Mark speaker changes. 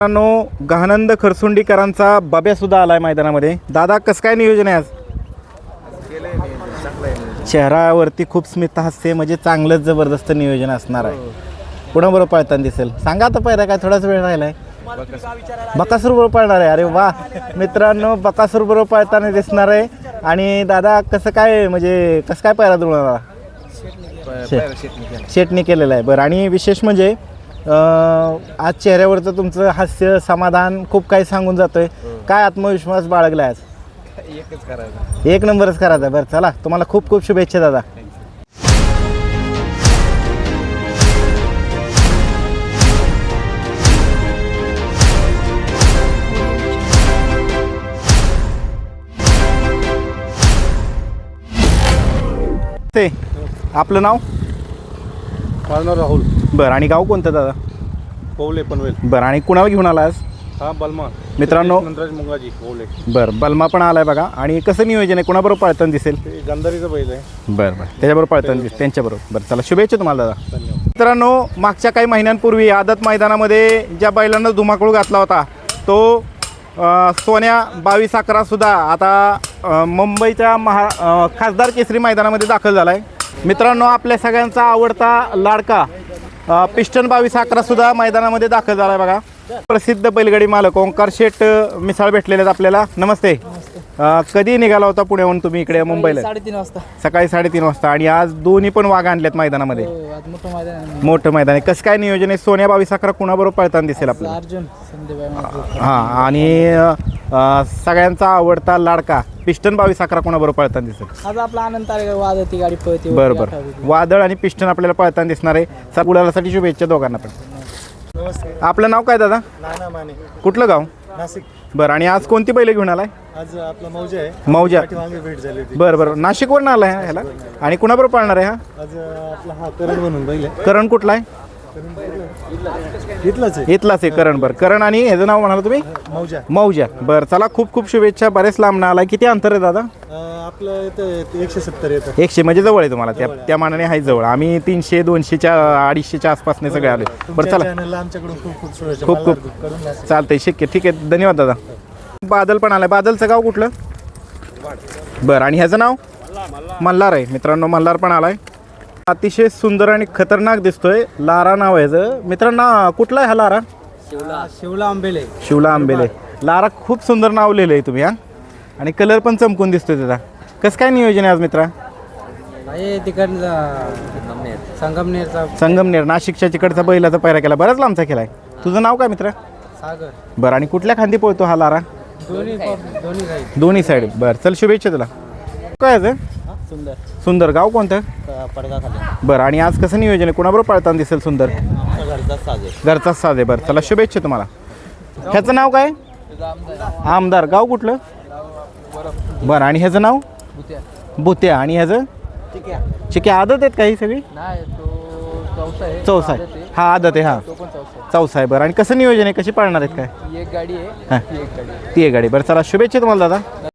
Speaker 1: मित्रांनो, गहानंद खरसुंडीकरांचा बाब्या सुद्धा आलाय मैदानामध्ये. दादा, कसं काय नियोजन आहे आज? चेहऱ्यावरती खूप स्मित हास्य, म्हणजे चांगलंच जबरदस्त नियोजन असणार आहे. कुणाबरोबर पळताना दिसेल सांगा आता. पहिला काय थोडाच वेळ राहिलाय. बकासूर बरोबर पळणार आहे. अरे वा मित्रांनो, बकासूर बरोबर पळताना दिसणार आहे. आणि दादा कसं काय, म्हणजे कसं काय पहिला जुळणार? शेटणी केलेलं आहे. बरं, आणि विशेष म्हणजे आज चेहऱ्यावरचं तुमचं हास्य समाधान खूप काही सांगून जातोय. काय आत्मविश्वास बाळगला आज?
Speaker 2: एकच करायचं,
Speaker 1: एक नंबरच करायचा. बरं चला, तुम्हाला खूप खूप शुभेच्छा दादा. ते आपलं नाव?
Speaker 2: माझं राहुल.
Speaker 1: बरं, आणि गाव कोणतं दादा?
Speaker 2: पवले पनवेल.
Speaker 1: बरं, आणि कुणाला घेऊन आला आज?
Speaker 2: हा बलमा
Speaker 1: मित्रांनो.
Speaker 2: नंदराज मुंगाजी पवले.
Speaker 1: बरं, बलमा पण आलाय बघा. आणि कसं नियोजन आहे, कुणाबरोबर पळताना दिसेल?
Speaker 2: ते गंधारीचं बैल आहे.
Speaker 1: बरं बरं, त्याच्याबरोबर पळताना दिसेल, त्यांच्याबरोबर. बरं चला, शुभेच्छा तुम्हाला दादा.
Speaker 2: धन्यवाद.
Speaker 1: मित्रांनो, मागच्या काही महिन्यांपूर्वी आदत मैदानामध्ये ज्या बैलांना धुमाकूळ घातला होता तो सोन्या 22-11 सुद्धा आता मुंबईच्या खासदार केसरी मैदानामध्ये दाखल झाला आहे. मित्रांनो, आपल्या सगळ्यांचा आवडता लाडका पिस्टन 22-11 सुद्धा मैदानामध्ये दाखल झाला आहे बघा. प्रसिद्ध बैलगाडी मालक ओंकार शेठ मिसाळ भेटलेले आहेत आपल्याला. नमस्ते. कधी निघाला होता पुण्याहून तुम्ही इकडे मुंबईला?
Speaker 3: 3:30 वाजता.
Speaker 1: सकाळी 3:30 वाजता. आणि आज दोन्ही पण वाघ आणलेत मैदानामध्ये.
Speaker 3: आज मोठं मैदान आहे.
Speaker 1: मोठं मैदान आहे. कसं काय नियोजन आहे? सोन्या 22-11 कुणाबरोबर पळताना दिसेल आपल्याला?
Speaker 3: अर्जुन संदीप.
Speaker 1: हां, आणि सगळ्यांचा आवडता लाडका पिस्टन 22-11 कोणाबरोबर पळताना दिसेल?
Speaker 3: आज आपला आनंद तारेगाव वादती गाडी पळते.
Speaker 1: बरं बरं, वादळ आणि पिस्टन आपल्याला पळताना दिसणार आहे. गुलालासाठी शुभेच्छा दोघांना पण.
Speaker 2: नमस्कार.
Speaker 1: आपलं नाव काय दादा?
Speaker 2: नाना माने,
Speaker 1: कुठलं गाव?
Speaker 2: नाशिक.
Speaker 1: बरं, आणि आज कोणती बैल घेऊन आलाय?
Speaker 2: आज आपला मौजा आहे.
Speaker 1: मौजा.
Speaker 2: वांगे भेट झाली होती.
Speaker 1: बरं बरं, नाशिकवरून आलाय ह्याला. आणि कुणाबरोबर पळणार आहे हा?
Speaker 2: आज आपला हा करण म्हणून बैल आहे.
Speaker 1: करण कुठला आहे?
Speaker 2: इथलाच आहे.
Speaker 1: इथलाच आहे करण. बरं, करण. आणि ह्याचं नाव म्हणाला तुम्ही?
Speaker 2: मौजा.
Speaker 1: मौजा. बरं चला, खूप खूप शुभेच्छा. बरेच लांब आलाय. किती अंतर आहे दादा?
Speaker 2: आपलं इथं 170 येतं.
Speaker 1: 100 म्हणजे जवळ आहे तुम्हाला. त्या मानाने आहे जवळ. आम्ही 300, 200च्या 250च्या आसपासने सगळे आले. बरं चला,
Speaker 2: चॅनलला आमच्याकडून खूप खूप शुभेच्छा.
Speaker 1: खूप खूप
Speaker 2: करून द्या.
Speaker 1: चालतंय. शक्य, ठीक आहे. धन्यवाद दादा. बादल पण आलाय. बादलचं गाव कुठलं? बरं, आणि ह्याचं नाव? मल्हार आहे. मित्रांनो, मल्हार पण आलाय. अतिशय सुंदर आणि खतरनाक दिसतोय. लारा नाव आहे ह्याचं. मित्रांनो, कुठला आहे हा लारा?
Speaker 3: शिवला आंबेले.
Speaker 1: शिवला आंबेले. लारा खूप सुंदर नाव लिहिलं आहे तुम्ही. हा, आणि कलर पण चमकून दिसतोय त्याचा. कसं काय नियोजन आहे आज मित्रा?
Speaker 3: संगमनेरचा
Speaker 1: संगमनेर, नाशिकच्या तिकडचा बैलाचा पैरा केला. बराच लांबचा केलाय. तुझं नाव काय मित्रा?
Speaker 3: सागर.
Speaker 1: बरं, आणि कुठल्या खांदी पळतो हा लारा? दोन्ही साईड. बरं चल, शुभेच्छा तुला. काय आहे?
Speaker 3: सुंदर.
Speaker 1: सुंदर. गाव कोणतं?
Speaker 3: पडगा खाली.
Speaker 1: बरं, आणि आज कसं नियोजन आहे? कुणाबरोबर पळताना दिसेल सुंदर? घरचाच साज आहे. बरं चला, शुभेच्छा तुम्हाला. ह्याचं नाव काय? आमदार. गाव कुठलं? बरं, आणि ह्याचं नाव? भुत्या. आणि ह्याचं? चिक्या. आदत आहेत काही सगळी? चौसा आहे. हा आदत आहे. हा चौसा आहे. बरं, आणि कसं नियोजन आहे? कशी पाळणार आहेत काय?
Speaker 3: एक गाडी आहे.
Speaker 1: हां, ती एक गाडी. बरं चला, शुभेच्छा तुम्हाला दादा.